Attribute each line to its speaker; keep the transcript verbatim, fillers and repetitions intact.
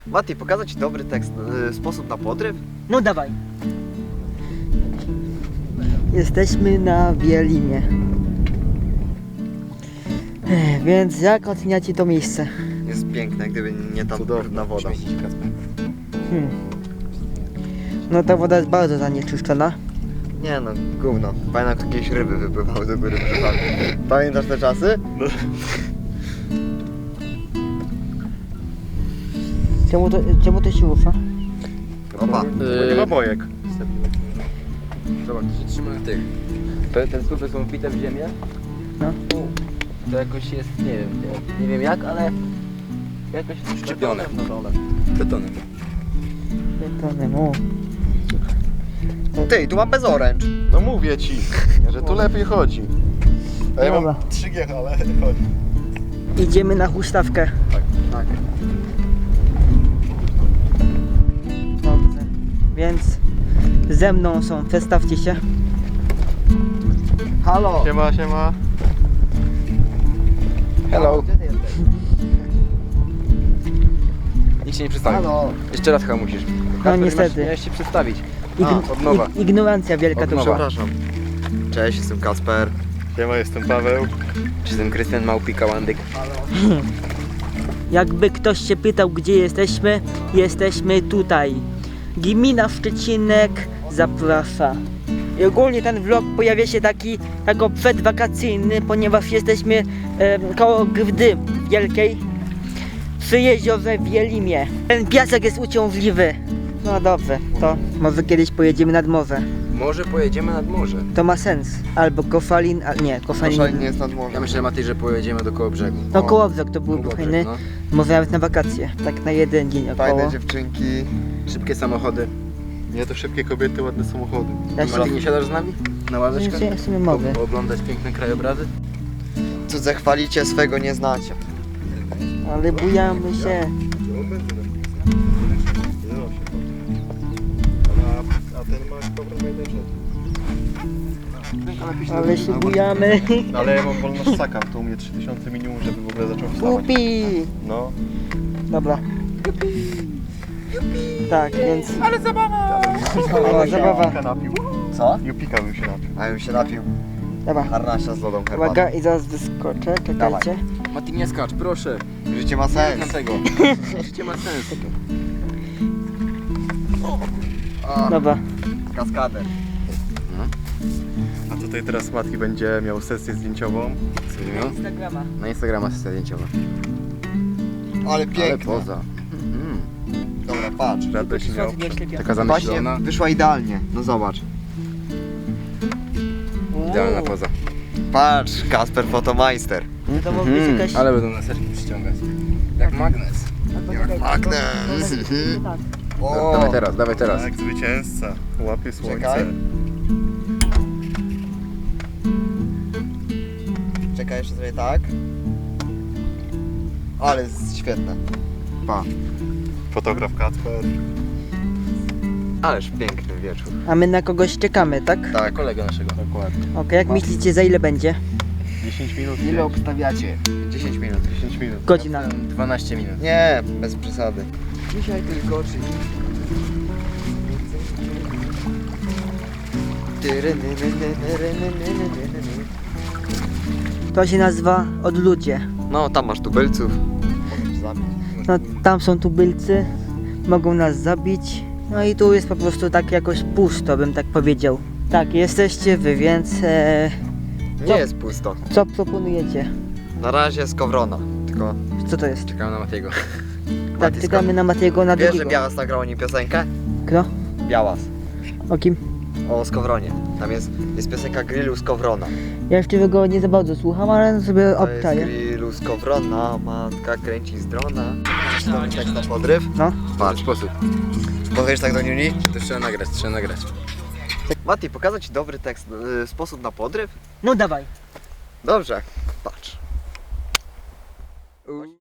Speaker 1: Mati, pokazać Ci dobry tekst, y, sposób na podryw?
Speaker 2: No dawaj. Jesteśmy na Wielimie. Ech, Więc jak oceniacie to miejsce?
Speaker 1: Jest piękne, gdyby nie tam brudna woda.
Speaker 2: Hmm. No ta woda jest bardzo zanieczyszczona.
Speaker 1: Nie no, gówno. Pamiętam, jak jakieś ryby wypływały do góry brzegami. Pamiętasz te czasy? No.
Speaker 2: Czemu to, czemu to się rusza?
Speaker 1: Opa.
Speaker 3: Bo nie ma bojek.
Speaker 4: Zobacz, to się trzyma tych. Te, te słupy są wbite w ziemię.
Speaker 2: No.
Speaker 4: To jakoś jest, nie wiem, nie, nie wiem jak, ale jakoś szczepione na dole. Betonem.
Speaker 2: Betonem, o.
Speaker 1: Ty, tu mam bez oręcz.
Speaker 3: No mówię ci, że tu lepiej chodzi. A ja
Speaker 2: Dobra.
Speaker 3: mam trzy G, ale chodzi.
Speaker 2: Idziemy na huśtawkę.
Speaker 1: Tak.
Speaker 2: Dobrze. Więc ze mną są, przedstawcie się.
Speaker 1: Halo!
Speaker 3: Siema, siema.
Speaker 4: Hello.
Speaker 1: Gdzie ty jesteś?
Speaker 4: Nikt się nie przedstawił.
Speaker 1: Halo!
Speaker 4: Jeszcze raz chyba musisz.
Speaker 2: No niestety.
Speaker 4: Miałeś się przedstawić.
Speaker 2: Ign-
Speaker 4: od nowa.
Speaker 2: ig- ignorancja wielka
Speaker 4: Od
Speaker 2: to
Speaker 4: nowa.
Speaker 2: była.
Speaker 1: Przepraszam. Cześć, jestem Kacper.
Speaker 3: Siema, jestem Paweł.
Speaker 4: Jestem Krystian Małpika Łandyk.
Speaker 2: Jakby ktoś się pytał, gdzie jesteśmy, jesteśmy tutaj. Gmina Szczecinek zaprasza. I ogólnie ten vlog pojawia się taki jako przedwakacyjny, ponieważ jesteśmy e, koło Grydy Wielkiej przy jeziorze Wielimie. Ten piasek jest uciążliwy. No dobrze, to może kiedyś pojedziemy nad morze.
Speaker 4: Może pojedziemy nad morze.
Speaker 2: To ma sens. Albo Kofalin, a nie, Kofalin.
Speaker 1: Koszalin nie jest nad morzem.
Speaker 4: Ja myślę, Matej, że pojedziemy do koło brzegu.
Speaker 2: No Kołobrzeg to byłby
Speaker 4: Kołobrzeg,
Speaker 2: fajny.
Speaker 4: no.
Speaker 2: Może nawet na wakacje, tak na jeden dzień około.
Speaker 1: Fajne dziewczynki.
Speaker 4: Szybkie samochody.
Speaker 3: Nie, to szybkie kobiety, ładne samochody.
Speaker 2: Ja się,
Speaker 4: Matej, nie siadasz z nami? Na ławeczkę?
Speaker 2: ja sobie mogę.
Speaker 4: Po- Pooglądać piękne krajobrazy?
Speaker 1: Cudze chwalicie, swego nie znacie.
Speaker 2: Ale bujamy się.
Speaker 3: A, a ten ma problem jeden
Speaker 2: Ale się bujamy.
Speaker 3: Ale ja mam wolność sakam, to u mnie trzy tysiące minimum, żeby w ogóle zaczął wstawać.
Speaker 2: Upi!
Speaker 3: No.
Speaker 2: Dobra. Tak, więc...
Speaker 3: Ale
Speaker 2: Ale zabawa.
Speaker 3: Jupika napił.
Speaker 1: Co?
Speaker 3: Jupika bym się napił.
Speaker 1: A ja bym się napił.
Speaker 2: Dobra.
Speaker 1: Harnasia z lodą herbatą.
Speaker 2: Uwaga i zaraz wyskoczę, czekajcie.
Speaker 4: Matej, nie skacz, proszę.
Speaker 1: Życie ma sens.
Speaker 4: Dlatego. Życie ma sens.
Speaker 1: A,
Speaker 2: Dobra.
Speaker 1: kaskader.
Speaker 3: A tutaj teraz Mati będzie miał sesję zdjęciową.
Speaker 4: Co będzie miał?
Speaker 2: Instagrama.
Speaker 4: Na Instagrama sesja zdjęciowa.
Speaker 1: Ale
Speaker 4: Ale
Speaker 1: piękne.
Speaker 4: poza. Mhm.
Speaker 1: Dobra, patrz.
Speaker 3: Radość miał.
Speaker 4: Taka
Speaker 1: Właśnie
Speaker 4: zamyślona.
Speaker 1: wyszła idealnie. No zobacz.
Speaker 4: Idealna poza.
Speaker 1: Patrz, Kasper Fotomeister.
Speaker 2: To może być
Speaker 4: Mhm,
Speaker 2: jakaś...
Speaker 4: ale będą laseczki przyciągać. Jak magnes.
Speaker 1: Jak magnes. Mhm.
Speaker 2: Tak.
Speaker 1: O,
Speaker 4: Dawaj teraz, dawaj teraz.
Speaker 3: Tak, zwycięzca. Łapie słońce.
Speaker 1: Czekaj. Czekaj, jeszcze sobie tak. Ale jest świetne. Pa.
Speaker 3: Fotograf Kacper.
Speaker 1: Ależ piękny wieczór.
Speaker 2: A my na kogoś czekamy, tak?
Speaker 1: Tak.
Speaker 4: Kolega naszego.
Speaker 3: Dokładnie.
Speaker 2: Okej, jak myślicie, za ile będzie?
Speaker 3: dziesięć minut.
Speaker 4: Ile obstawiacie?
Speaker 1: dziesięć minut.
Speaker 3: dziesięć minut.
Speaker 2: Godzina.
Speaker 4: dwanaście minut.
Speaker 1: Nie, bez przesady.
Speaker 4: Dzisiaj tylko czyli.
Speaker 2: To się nazywa Odludzie.
Speaker 1: No, tam masz tubylców. Możesz zabić.
Speaker 2: No, tam są tubylcy, mogą nas zabić. No i tu jest po prostu tak jakoś pusto, bym tak powiedział. Tak, jesteście wy, więc e,
Speaker 1: Nie jest pusto.
Speaker 2: co proponujecie?
Speaker 1: Na razie z Kowrona. Tylko
Speaker 2: Co to jest?
Speaker 4: Czekamy na Matiego.
Speaker 2: Tak,
Speaker 1: Mati,
Speaker 2: czekamy na Matiego na
Speaker 1: wiesz, że
Speaker 2: drugiego.
Speaker 1: Białas nagrał o nim piosenkę?
Speaker 2: Kto?
Speaker 1: Białas.
Speaker 2: O kim?
Speaker 1: O Skowronie. Tam jest, jest piosenka Grillu z Kowrona.
Speaker 2: Ja jeszcze go nie za bardzo słucham, ale sobie
Speaker 1: To jest
Speaker 2: obczaję.
Speaker 1: Grillu z Kowrona, matka kręci z drona. Dobry tekst na podryw?
Speaker 2: No.
Speaker 4: W ten
Speaker 1: Patrz.
Speaker 4: sposób.
Speaker 1: Powiesz tak do Niuni?
Speaker 4: To trzeba nagrać, trzeba nagrać.
Speaker 1: Mati, pokazać Ci dobry tekst, y, sposób na podryw?
Speaker 2: No dawaj.
Speaker 1: Dobrze, patrz.